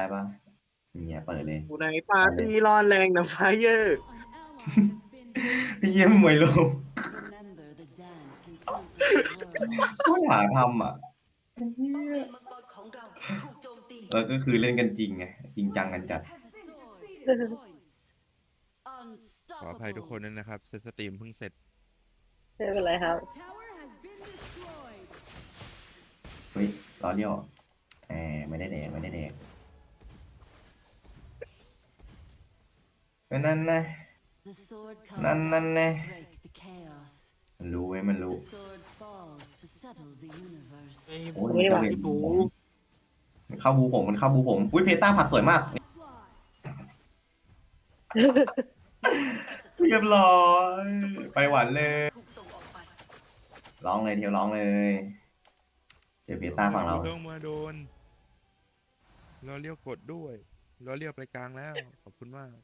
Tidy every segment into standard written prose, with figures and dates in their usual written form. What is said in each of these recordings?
ปะเนี่ยเปิดเลยกูในปาร์ตี้ร้อนแรงน้ำไฟเยอร์พี่เยี่ยมมวยลมไม่หาทำอ่ะแล้วก็คือเล่นกันจริงไงจริงจังกันจัดขออภัยทุกคนด้วยนะครับเซตสตรีมเพิ่งเสร็จไม่เป็นไรครับเฮ้ยล้อเลี้ยวไม่ได้แดงนั่นนะนั่นนะมันรู้ไหมมันรู้โอ้ยมันจะเล่นบูมันเข้าบูผมอุ้ยเพต้าผักสวยมากเรียบร้อยไปหวานเลยร้องเลยเที่ยวร้องเลยเจอเพต้าฝั่งเราต้องมาโดนเราเลี้ยวกดด้วยเราเลี้ยวไปกลางแล้วขอบคุณมาก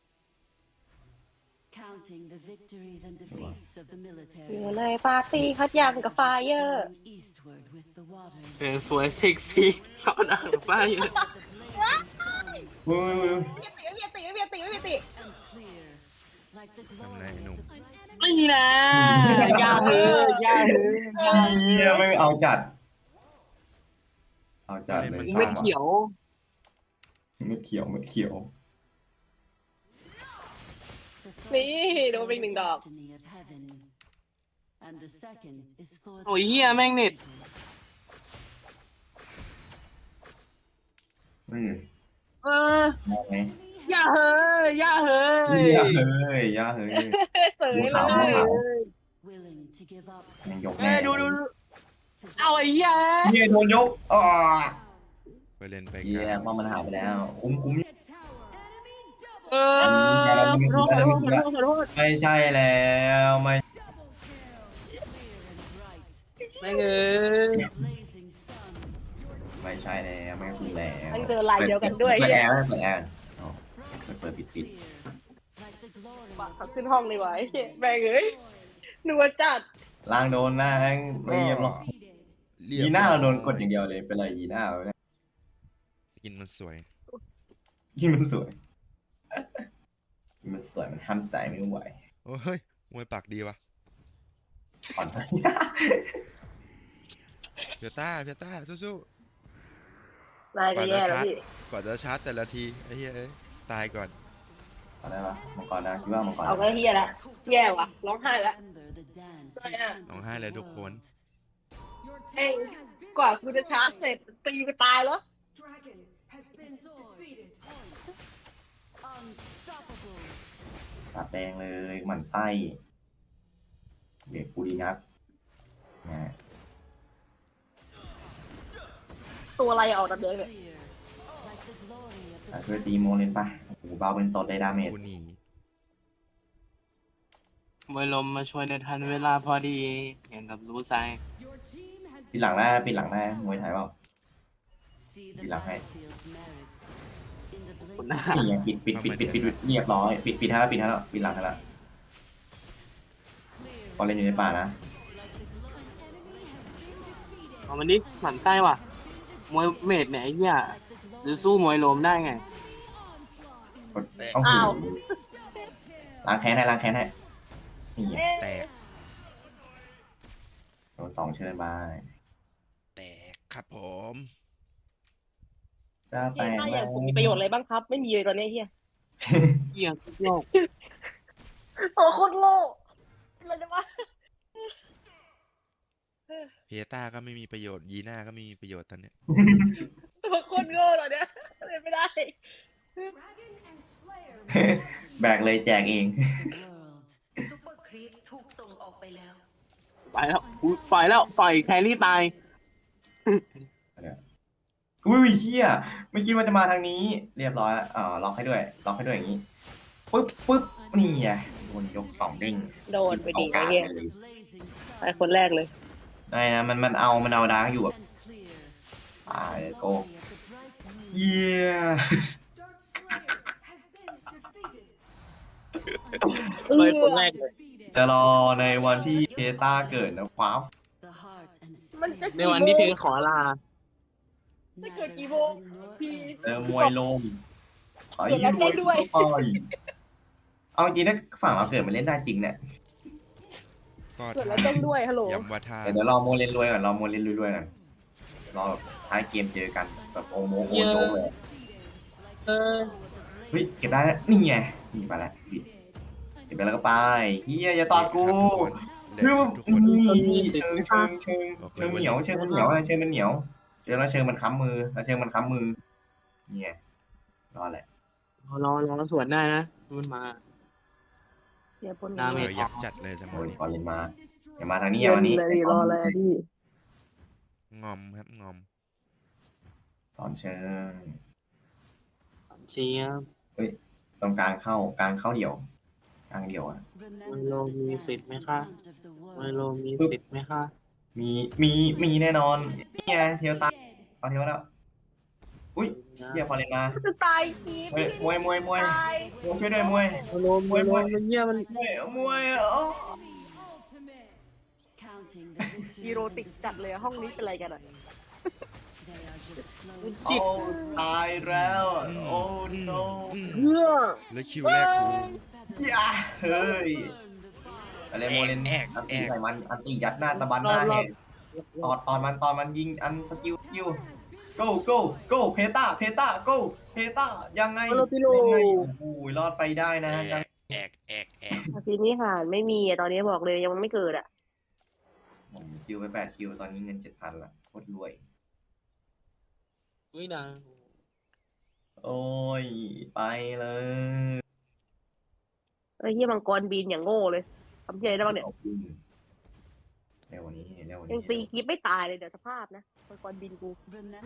อยู่ในปาร์ตี้คัดยำกับไฟเยอร์เธอสวยเซ็กซี่ร้อนอ่างไฟเยอร์อุ้ยไม่ติทำไรหนุ่มนี่นะยาเฮ้ยเฮียไม่เอาจัดเลยเม็ดเขียวเม็ดเขียวนี่โดนไป1 ดอกโอ้ยเฮียแม่งเน็ต เออมองไงยาเฮ้ยย่าเฮ้ยเสยดูเลขาวดูยขาวยังยกเอแม่อดูเอาไอ้เฮียเฮียโดนยกอ๋อไปเล่นไปเฮีกยลางว่ามันหายไปแล้วคุ้มเออขอโทษไม่ใช่แล้วไม่ไม่เงยไม่ใช่แล้วไม่คือแล้วมันเจอลายเดียวกันด้วยเปิดเฮีแอย ร์เปิดแอร์เปิดปิดปักเขาขึ้นห้องเลยไว้แม่งเอ้ยนัวจัดล่างโดนนะไม่เรียบร้อย ยีน่าเราโดนกดอย่างเดียวเลยเป็นไรยีน่าเราเนี่ยสกินมันสวยที่มันสวยมันห้ามใจไม่ไหวโอ้เฮ้ยมวยปากดีวะก่อนเพียต้าสู้นายก็แย่แล้วพี่ๆกว่าจะชาร์จแต่ละทีไอ้เหี้ยเอ้ยตายก่อนเอาได้ปะมังกรนะคิดว่ามังกรเอาก็เฮียละแย่ว่ะร้องไห้ละร้องไห้เลยทุกคนเอ้ยกว่ากูจะชาร์จเสร็จตีกูตายแล้วตัดแดงเลยหมั่นไส้เด็กกูดีนักนะตัวอะไรออกดับเดงเนี่ยช่วยตีโมเลนปะโอ้โหเบาเป็นตดได้ดาเมจกูหนีมวยลมมาช่วยในทันเวลาพอดีอย่างกับรู้ใจปิดหลังได้มวยไทยเปล่าปิดหลังให้คุณนะนี่ยังปิดเรียบร้อยปิดให้แล้วปิดหลังให้แล้วพอเล่นอยู่ในป่านะเอามันดิหมั่นไส้ว่ะมวยเมดเนี่ยไอ้เหี้ยหรือสู้มวยลมได้ไงต้องหูล้างแค้นให้นี่แตกโดน2เชิญบายแตกครับผมจะแตเฮียกถ้าอย่างกูมีประโยชน์อะไรบ้างครับ ไม่มีเลยตอนนี้เฮียเหี้ยโยกโอ้โคตรโลกอะไรวะเพียต้าก็ไม่มีประโยชน์ยีน่าก็ไม่มีประโยชน์ตอนเนี้ยโคตรโง่ตอนเนี้ยเล่นไม่ได้แบกเลยแจกเองซุปเปอร์ครีปถูกส่งออกไปแล้วไปแล้วอุ๊ยปล่อยแล้วปล่อยแครี่ตายอุ้ยเฮียไม่คิดว่าจะมาทางนี้ เรียบร้อยแล้วล็อกให้ด้วยอย่างนี้ปึ๊บนี่ไงโดนยก2เด้งโดนไปดีไอ้เฮียไปคนแรกเลยได้นะมันเอาดาร์กอยู่แบบตายโกเยียเลยคนแรกเลยจะรอในวันที่เพต้าเกิดนะครับมันจะในวันที่เธอขอลาไม่เกิดกี่โมงพี่มวยลมไอ้รวยด้วยเอาจริงถ้าฝั่งเราเกิดมาเล่นได้จริงเนี่ยก็เกิดแล้วเต้นด้วยฮัลโหลยำว่าท่าเดี๋ยวรอโมเลนรวยก่อนรอโมเลนรวยๆก่อนรอแบบท้ายเกมเจอกันแบบโอโมโอโนเลยเออเฮ้ยเก็บได้แล้วนี่ไงนี่ไปแล้วเก็บไปแล้วก็ไปเฮียอย่าตอดกูเล่คือนทุกคนนี่เชิงเหนียวเชิงมันเหนียวเชิงมันเหนียวเจอแล้วเชิงมันค้ำมือแล้วเชิงมันค้ำมือเนี่ยรอแหละรอสวนได้นะมันมาเดี๋ยวปนดาเมเอจอยักษ์จัดเลยสมอโอ้งยฟอร์เรนมาอย่ามาทางนี้อย่ามานี้เลยรออะไรพี่งอมครับงอมสอนเชิงเชียร์ตรงกลางเข้าเดี่ยวกลางเดี่ยวอ่ะไมโลมีสิทธิ์ไหมคะไมโลมีสิทธิ์ไหมคะมีแน่นอนนี่ไงเทียวตายเอาเทียวแล้วอุ้ยเฮียฟอร์เรนมาจะตายทีมวยตายช่วยด้วยมวยไมโลมันเยี่ยมันมวยโอ้ฮีโรติกจัดเลยห้องนี้เป็นอะไรกันอ่ะจิตตายแล้วโอ้ no เพื่อแล้วคิวแรกกูอย่าเฮ้ยอะไรโมเลนอันตีใส่มันอันตียัดหน้าตะบันหน้าแหกตอนมันยิงอันสกิลgo เพตายังไงโอ้ยรอดไปได้นะแอกทีนี้หารไม่มีอ่ะตอนนี้บอกเลยยังไม่เกิดอ่ะผมคิวไป8คิวตอนนี้เงิน 7,000 ละโคตรรวยไม่ดังโอ้ยไปเลยไอ้เหี้ยมังกรบินอย่างโง่เลยทำเหี้ยได้บ้างเนี่ยเร็วนี้ยังตีคลิปไม่ตายเลยเดี๋ยวสภาพนะมังกรบินกู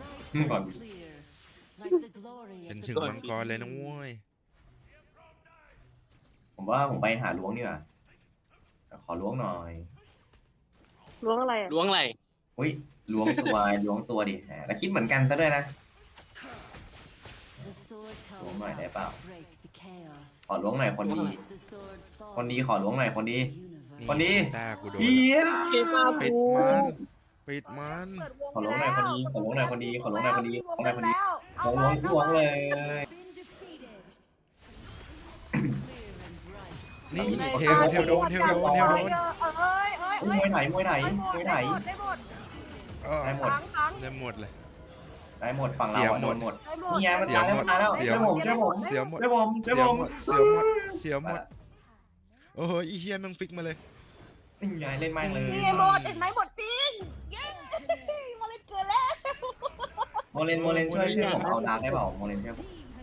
จนถึงมังกรเลยนะเว้ยผมว่าผมไปหาล้วงดีกว่าขอล้วงหน่อยล้วงอะไรอ่ะล้วงอะไรอุ้ยล้วงตัวดิแล้วคิดเหมือนกันซะด้วยนะล้วงหน่อยได้เปล่าขอล้วงหน่อยคนดีขอล้วงหน่อยคนดีตากูโดนเฮียเกมมาปิดกูมันขอล้วงหน่อยคนดีล้วงล้วงเลยนี่เทลโดนเอ้ยมวยไหนได้หมดได้หมดทั้งได้หมดเลยได้หมดฝั่งเราโดนหมดได้หมดนี่ไงมันตายแล้วช่วยผมเสียหมดช่วยผมโอ้โหอีเฮียมึงฟิกมาเลยนี่ไงเล่นแม่งเลยนี่ไงหมดเห็นไหมหมดจริงเย้มาเล่นเกินแล้วโมเลนช่วยผมเอาดาร์กได้เปล่าโมเลนช่วยผม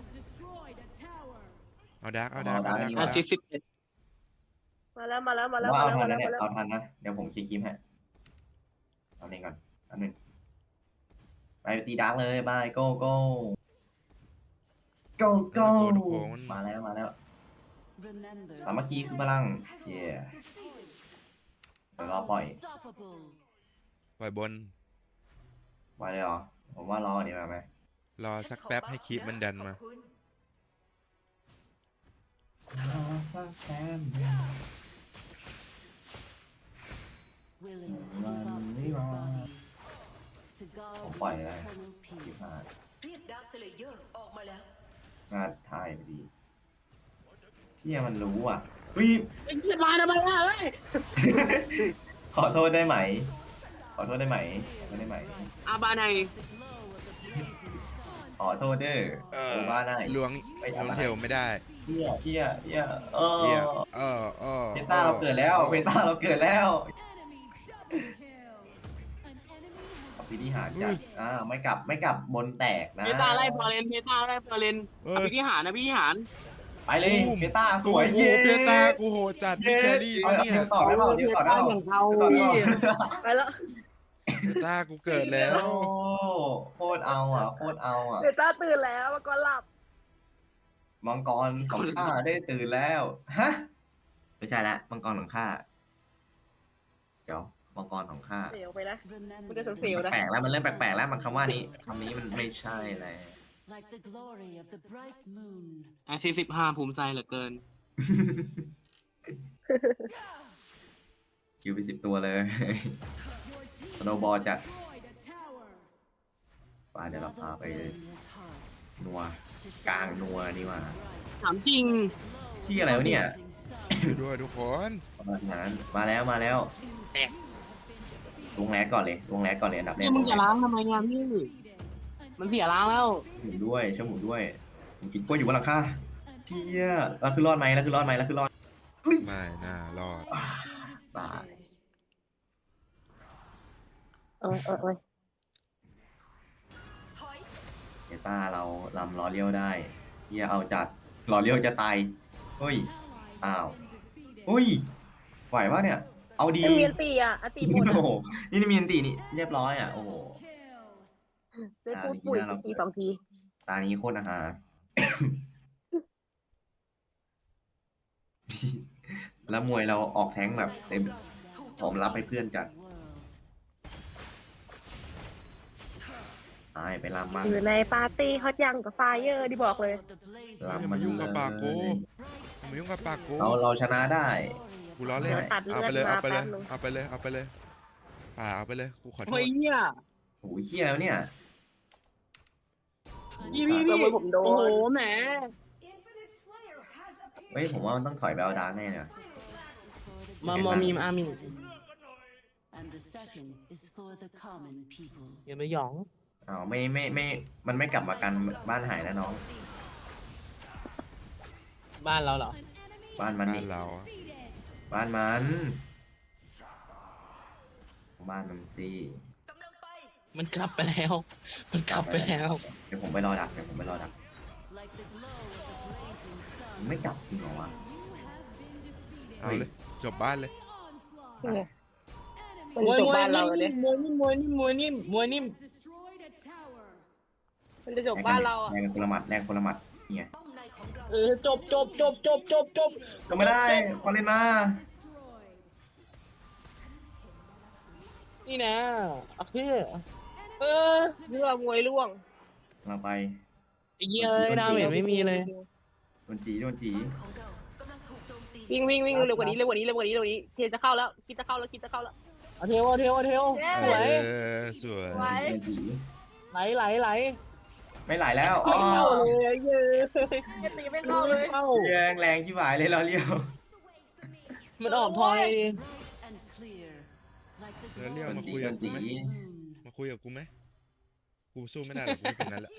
เอาดักอ่ะ41 มาแล้วว่าเอาทันนะเนี่ยเอาทันนะเดี๋ยวผมชี้คิมให้เอาเองก่อนอันนึงไปตีดาร์กเลยบายโก้มาแล้วสามัคคีคือพลังเย้เดี๋ยวรอปล่อยปล่อยบนไว้เลยเหรอผมว่ารอเดี๋ยวมาไหมรอสักแป๊บให้คลิปมันดันมารอสักแป๊บผมปล่อยเลย25 เรียกดาร์คสเลเยอร์ออกมาแล้วงานถ่ายพอดีเที่ยมันรู้อ่ะวิไอ้เหี้ยมาทำไมวะเฮ้ยขอโทษได้ไหมอาบาในขอโทษเด้อโอบ้าได้ล้วงเทลไม่ได้เที่ยเฮียเฮียเพต้าเราเกิดแล้วพิธีหารจัดไม่กลับบนแตกนะเพตาไล่ฟอร์เรนอภิธิหารนะพี่หารไปเลยเพต้าสวยเย้เพตากูโหจัดพี่แครี่ปะเนี่ยต่อได้เปล่าอย่างเขาพี่ไปแล้วเพตากูเกิดแล้วโคตรเอาอ่ะเบต้าตื่นแล้วมังกรหลับมังกรของข้าได้ตื่นแล้วฮะไม่ใช่ละมังกรของข้าเดี๋ยวมังกรของข้าเสียวไปนะมันจะเสียวนะแปลกแล้วมันเริ่มแปลกแล้วมันคำว่านี้คำนี้มันไม่ใช่แล้วไอ้45ภูมิใจเหลือเกินคิวไป10 ตัวเลยสโนบอลจัดป่าเดี๋ยวเราพาไปนัวกลางนัวนี่ว่าถามจริงที่อะไรวะเนี่ยช่วยด้วยทุกคนประมาณนั้นมาแล้วแตกลงแรกก่อนเลยอันดับแรนี่กมึงจะล้างทำไมงานพี่มันเสียล้างแล้วหมุนด้วยเชื่อหมุนด้วยผมกินกล้วยอยู่บนหลังคาเที่ยแล้วคือรอดไหมอุ้ยไม่น่ารอดตายเออถอยเนต้าเราลำล้อเลี้ยวได้เที่ยเอาจัดล้อเลี้ยวจะตายเฮ้ยอ้าวอุ้ยไหวปะเนี่ยเอาดีไม่มีอันตีอ่ะอันตีหมดโอ้โหนี่มีอันตีนี่เรียบร้อยอ่ะโอ้โหได้พูดปุ๋ยทีสองทีตานี้โคตรอาหาร แล้วมวยเราออกแท้งแบบเต็มพร้อมรับให้เพื่อนจัดไปลำมันอยู่ในปาร์ตี้ฮอตยังกับไฟเยอร์ที่บอกเลยลำอย่ามัมาน ยุ่งกับปากกูอย่ามายุ่งกับปากกูเราชนะได้กูล้อเล่นตัดเลืเอาอดไปเลยมาเอาไปเลยแป๊บนึงเอาไปเลยเอาไปเลยป่าเอาไปเลยกูขอโทเฮ้ษยเนี่ยโอ้ยเขี้ยแล้วเนี่ยพี่ขโมยผมโดนโอ้โหแหมเฮ้ยผมว่ามันต้องถอยไปเอาดาร์กแน่เลยมอมีมอามี And the second is for the common people อย่าไปหยองอ้าวไม่มันไม่กลับมากันบ้านหายนะน้องบ้านเราเหรอบ้านมันบ้านี่นเราอะบ้านมันบ้านมันสิกำลังไปมันกลับไปแล้ว มันกลับไปแล้วเดี๋ยวผมไปรอดัก like the glow of the blazing sun ไม่กลับจริงเหรอวะเอาเลยจบบ้านเลยมันมวยจบมวยบ้านเรานิ่มเลยมวยนิ่มมวยนิ่มมวยนิ่มมวยนิ่มมันจะจบบ้านเราอ่ะแรงคนละหมัดนี่ไงป้อมในของเราจบก็ไม่ได้พอเล่นมานี่นะโอเคเรื่องมวยล่วงเราไปไอ้เหี้ยดาเมจไม่มีเลยโดนจีของเรากำลังถูกโจมตีวิ่งเร็วกว่านี้เทจะเข้าแล้วคิดจะเข้าแล้วเอาเทวสวยสวยไว้โดนจีไหลไม่ไหลแล้วอ๋ไม่อเข้าเลยเยอะตีไม่เข้าเลยเข้าแรงชิบหายเลยเราเลี้ยวมันออกทอยดิ and clear like the แล้วเรียก glow มา of คุยกับกูไหม the moon มาคุยกับกูไหมกูสู้ไม่ได้หรอกกูเป็นนั้นแหละ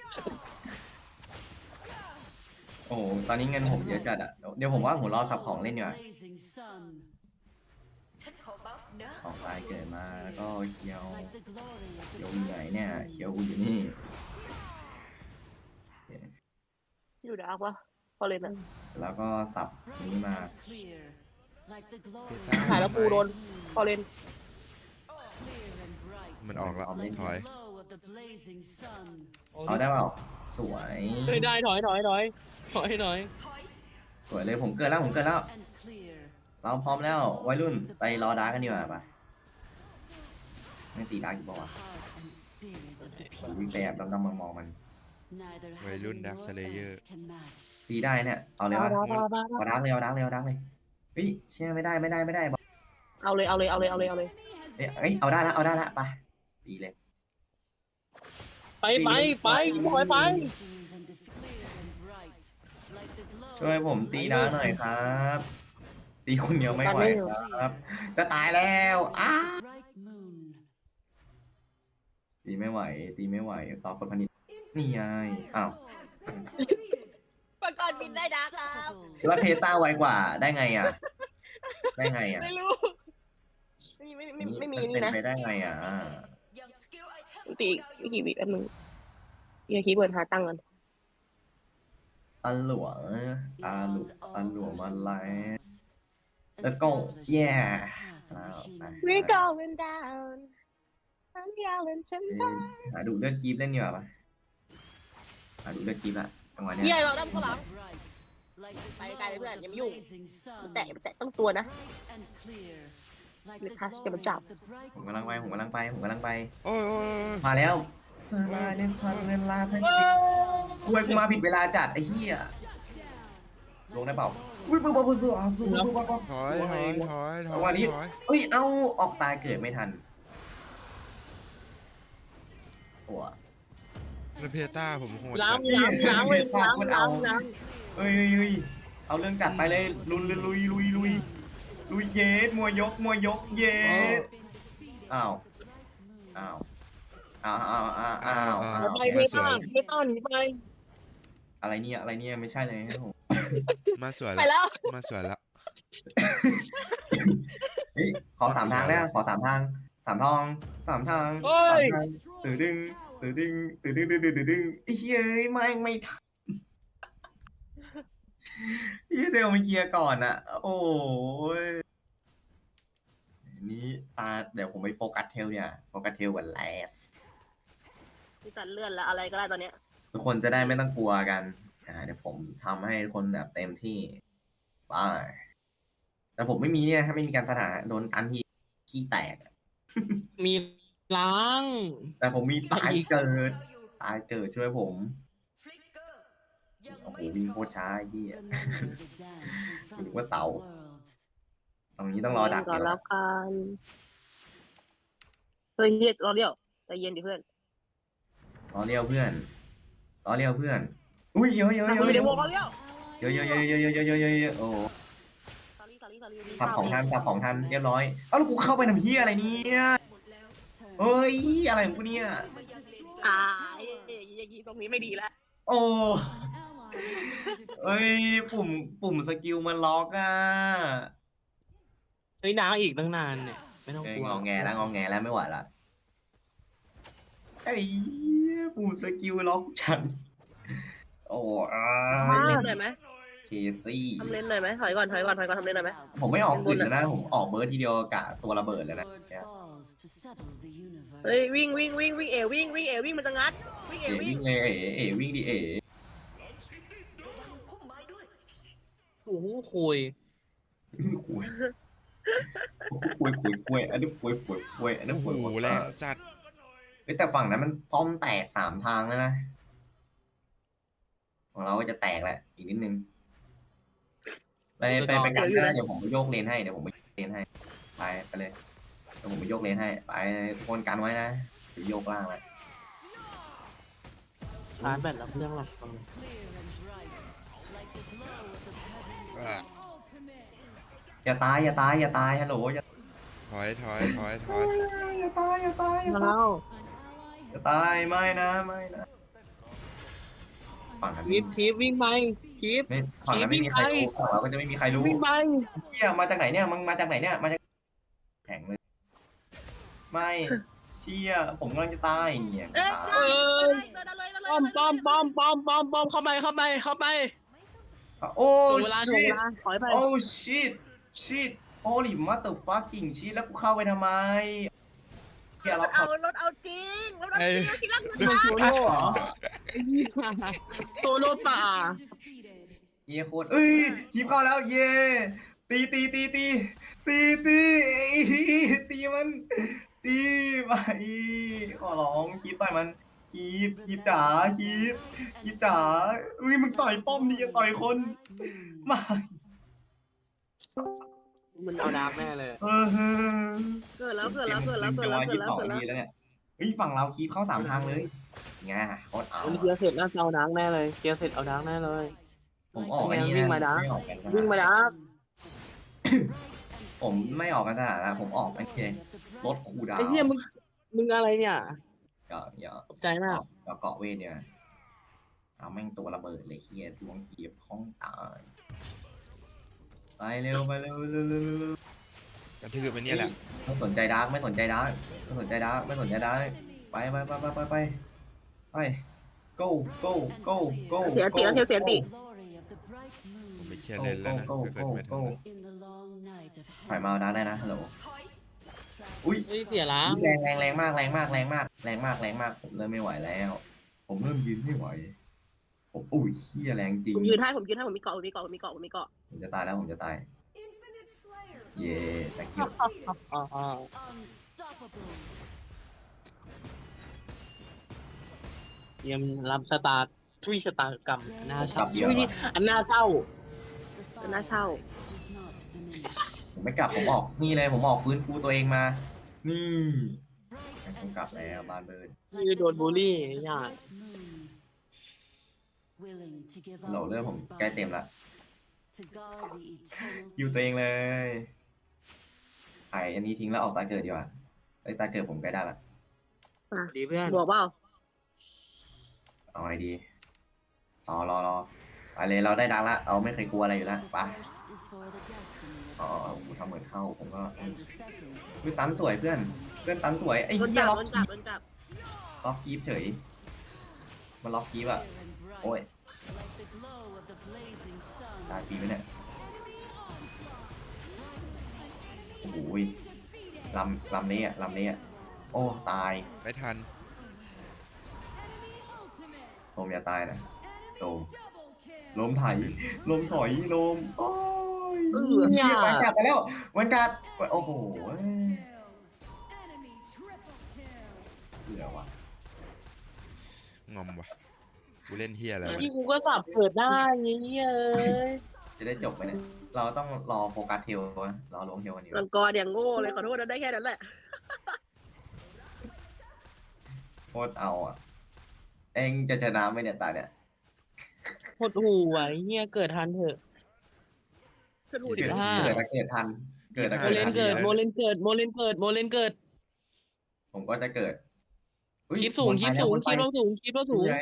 โอ้โหตอนนี้เงินผมเยอะจัดอ่ะเดี๋ยวผมว่าผมรอสับของเล่นดีกว่า blazing sun ฉันขอบัฟนะของตายเกิดมาแล้วก็เคียว like the glory of เคี the ยวอยู่ไหนเนี่ยเคียวกูอยู่นี่อยู่ดาร์กวะพอเลยนะแล้วก็สับนี้มา clear like the glory หายแล้วกูโดนพอเลน clear and bright มันออกแล้วถอย glow of the blazing sun เอาได้เปล่าสวยได้ถอยถอยสวยเลยผมเกิดแล้ว and clear เราพร้อมแล้ววัยรุ่นไปรอดาร์กกันดีกว่าปะไม่ตีดาร์กอยู่ปะวะ heart and spirit of the ผมวิ่งไปแอบดำๆมองๆมัน neither วัยรุ่น heaven Dark nor Slayer earth can match ตีได้เนี่ยเอาเลยวะเอาดาร์กเลยเฮ้ยเชื่อไม่ได้บอกเอาเลยเอ้ยเอาได้ละไปตีเลยไปถอยไป victories and defeat clear and bright like the glow ช่วยผมตีดาร์กหน่อยครับ ตีคนเดียวไม่ไหวครับ จะตายแล้วอ้า bright moon ตีไม่ไหวต่อกดพนิดนี่ไงอ้าวประกอบบินได้ดาร์กครับแล้วเพต้าไวกว่าได้ไงอ่ะไม่รู้ไม่มีนี่เป็นะไปได้ไงอ่ะยังสกิลไอเทมตีกี่วิแป๊บนึงคีย์เวิร์ดหาตั้งกันอันหลวงมาไลฟ์ Let's go yeah We going down I'm yelling tonight หาดูเลือดคีบเล่นดีกว่าปะหาดูเลือดคีบละจังหวะเนี้เฮียยเราด้านข้างหลัง ไปไกลเลยเพื่อนอย่ามายุ่ง แตะต้องตัวนะ เลยค่ะเดี๋ยวมันจับผมกำลังไปโอ้ยมาแล้วเวลาเล่นชันเวลาเพื่อนจริงกูมาผิดเวลาจัดไอ้เหี้ยลงได้เปล่าอุ้ยปุ๊บสู้ถอยเอ้ยเอาออกตายเกิดไม่ทันตัวแล้วเพต้าผมโหดล้าจังดเอ้ยเอาเรื่องจัดไปเลยลุยเยสมวยยกเยสอ้าวอ้าวไปเพต้าหนีไปอะไรเนี่ยไม่ใช่เลยครับผมมาสวยไปแล้วแล้วมาสวยแล้วเฮ้ยขอ3 ทางแล้วขอ3 ทาง3 ทาง3 ทางเฮ้ยตื่นดึงไอ้เฮ้ยไม่ทันพี่เซลมาเคลียร์ก่อนอะโอ้ยนี้เดี๋ยวผมไปโฟกัสเทลเนี่ยโฟกัสเทลกับแลสพี่ตัดเลื่อนแล้วอะไรก็ได้ตอนเนี้ยทุกคนจะได้ไม่ต้องกลัวกันเดี๋ยวผมทำให้ทุกคนแบบเต็มที่ไปแต่ผมไม่มีเนี่ยถ้าไม่มีการสถานะโดนตันที่ขี้แตกมีล้างแต่ผมมีตายเกิดช่วยผม โอ้โหวิ่งโคตรช้าไอ้เหี้ย นึกว่าเต่า ตรงนี้ต้องรอดักก่อนเดี๋ยวแล้วกันเฮ้ยเฮียรอเดียวใจเย็นดิเพื่อนรอเรียวเพื่อนอุ้ยเยอะทำมือเดี๋ยววงรอเดียวโอ้สอรี่สับของทันเรียบร้อยเอ้าแล้วกูเข้าไปทำเหี้ยอะไรเนี่ยเฮ้ยอะไรของกูเนี่ยอย่างนี้ตรงนี้ไม่ดีแล้วโอ้เอ้ยปุ่มสกิลมันล็อกอ่ะเฮ้ยล้างอีกตั้งนานเนี่ยไม่ต้องเอ้ยกลัวงอแงแล้วไม่ไหวละไอ้ปุ่มสกิลล็อกฉันโอ้ทำเล่นหน่อยไหมเคซี่ทำเล่นหน่อยไหมถอยก่อนทำเล่นหน่อยไหมผมไม่ออกกึ่งแล้วนะผมออกเบิร์ดทีเดียวกะตัวระเบิดเลยนะเฮ้ยวิ่งวิ่งมันจะงัดวิ่งเอ๋วิ่วิ่งงเลยวิ่งดิโอ้โหคุยคุยอันนี้คุยอันนี้โอ้คุยโหแรงจัดแต่ฝั่งนั้นมันป้อมแตก3 ทางแล้วนะของเราก็จะแตกแหละอีกนิดนึงไปกันหน้าเดี๋ยวผมไปโยกเลนให้ไปเลยเดี๋ยวผมไปโยกเลนให้ไปทุกคนกันไว้นะเดี๋ยวโยกล่างเลยชาร์จแบตแล้วเครื่องหลับอย่าตายฮัลโหลอย่าถอยตายมาแล้วอย่าตายไม่นะฝั่งนั้นทีฟวิ่งไปทีฟไม่ฝั่งนั้นไม่มีใครรู้ฝั่งเราก็จะไม่มีใครรู้วิ่งไปเฮียมาจากไหนเนี่ยมึงมาจากไหนเนี่ยมาจากแข็งเลยไม่เชี่ยผมกำลังจะตายเนี่ยป้อมเข้าไปโอ้ถึงเวลาชิตถอยไปโอ้ชิตโอ้ลิมัตเตอร์ฟักกิ้งชิตแล้วกูเข้าไปทำไมเฮียเรารถเอาจริงที่รักมันโซโล่เหรอโซโล่ป่าเฮียโคตรเอ้ยคีบเข้าแล้วเย่ตีมันตีไปขอร้องคีบต่อยมันคีบจ๋าคีบจ๋าอุ้ยมึงต่อยป้อมดิยังต่อยคนมามันเอาดาร์กแน่เลยเกิดแล้ว 22 ทีแล้วเนี่ยเฮ้ยฝั่งเราคีบเข้า3 ทางเลยไงโคตรเอาวันนี้เกียร์เสร็จน่าจะเอาดาร์กแน่เลยเกียร์เสร็จเอาดาร์กแน่เลยผมออกอันนี้วิ่นะงมาดาร์กไม่ออกกันวิ่งมาดาร์กผมไม่ออกกันสถานะผมออกไม่เองลดคูลดาวไอ้เหี้ยมึงอะไรเนี่ยอย่าตกใจมากเกาะเวทเนี่ยเอาแม่งตัวระเบิดเลยเฮียดวงเกียบพ้องตายไปเร็วกระทืบไปเนี่ยแหละไม่สนใจดาร์กไป go เสียติผมไปเคลียร์เลนแล้วนะถ้าเกิดไม่ทันถอยมาดาร์กได้นะฮัลโหลอุ้ยเฮ้ยเสียล้างแรงมากผมเริ่มไม่ไหวแล้ว ผมเริ่มยืนไม่ไหวผมอุ้ยเฮียแรงจริงผมยืนให้ผมมีเกาะผมจะตายแล้วเย่ตะกี้ยังรับสตาร์ทรีสตาร์กรรมหน้าเช่าอันหน้าเช่าน่าเช่าผมไม่กลับผมออกนี่เลยผมออกฟื้นฟูตัวเองมานี่ผมกลับแล้วบานเบิร์นที่โดนบูลลี่ญาติ willing to give โหล up เรื่องผม his ใกล้เต็ม body ละ to guard the eternal อยู่ตัวเองเล peace. ยไออันนี้ทิ้งแล้วออกตาเกิดดีกว่าไอตาเกิดผมใกล้ได้ละดีเพื่อนบวกเปล่าเอาไงดีรอไปเลยเราได้ดังละเราไม่เคยกลัวอะไรอยู่แล้ว The ไป first is for the destiny of อ๋อกูทำเหมือนเข้าผมก็ and the second คือตันสวยเพื่อนตันสวยไอ้โดนเหี้ยจับล็อกโดนจับโดนจับคีปเฉยมันล็อกคีปอะ clear and bright, Ôi. like the glow of the blazing sun. ตายฟรีไหมเนี่ยโอ้โหลำนี้อะโอ้ตายไม่ทันโลมอย่าตายนะโลมถอยโลมโอ้ยเชี่ยวันกัดไปแล้ววันกัดโอ้โหเหลือวะงอมว่ะกูเล่นเฮียอะไรวะที่กูก็สับเกิดได้เงี้ยเอ้ยจะได้จบไปเนี่ยเราต้องรอโฟกัสเทลวะรอลงเทลวันนี้มังกรอย่างโง่เลยขอโทษนะได้แค่นั้นแหละโคตรเอาอ่ะเองจะชนะไหมเนี่ยตาเนี่ยหดหูไว้เงี้ยเกิดทันเถอะขึ้นหูสิบห้าเกิดทันโมเลนเกิดโมเลนเกิดผมก็จะเกิดคลิปสูงคลิปเราสูงคลิปมันสูงคลิปมันสูง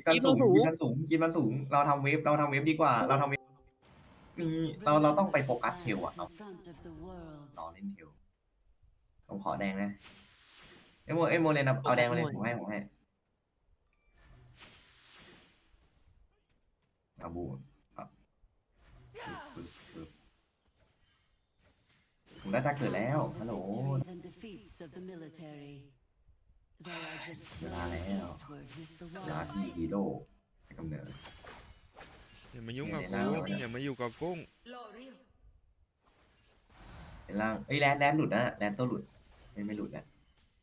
เราทำเวฟดีกว่าเราทำเวฟนี่เราต้องไปโฟกัสเทลอ่ะ In front of the world. ต่อเล่นเทลผมขอแดงนะเอ้โมเลนเอาแดงมาเลยผมให้เอาบูครับผมได้ตาเกิดแล้วฮัลโหล Victories and defeats of the military. They are just Là flowing lẽ eastward with the ลา wind. ที่ฮีโร่ให้กำเนิดอย่ามายุ่งกับเนี่ยกูเนี่ยอย่ามาอยู่กับกุ้งเป็นล่างแลนหลุดนะแลนตัวหลุดไม่หลุดนะ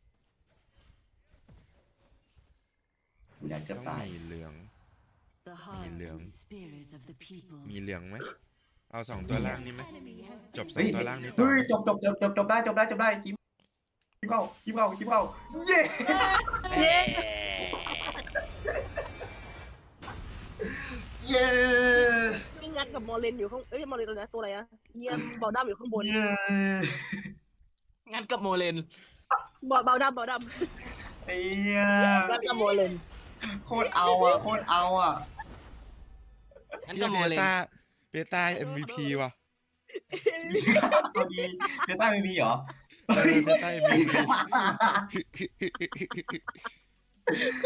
ดูแลนเกือบต้องตายมีเหลือง The heart lượng. and spirit of the people. มีเหลืองไหมเอาสองตัวล่างนี่ไหมจบสอเฮ้งยตัวล่างนี้ต่อเฮ้ยไหมจบได้คลิปเข้าเย้ เย้นี่งัดกับมอลเลนอยู่ข้างมอลเลนตัวนะตัวอะไรอะเยี่ยมเบาดำอยู่ข้างบนเย้งั้นกับโมเลนเบาดำไอ้เหี้ยงัดกับมอลเลนโคตรเอาอ่ะงั้นเฮีกัยบโมเลนเบต้า MVP ว่ะพอดีเบต้าไม่มีเหรอเบต้า MVP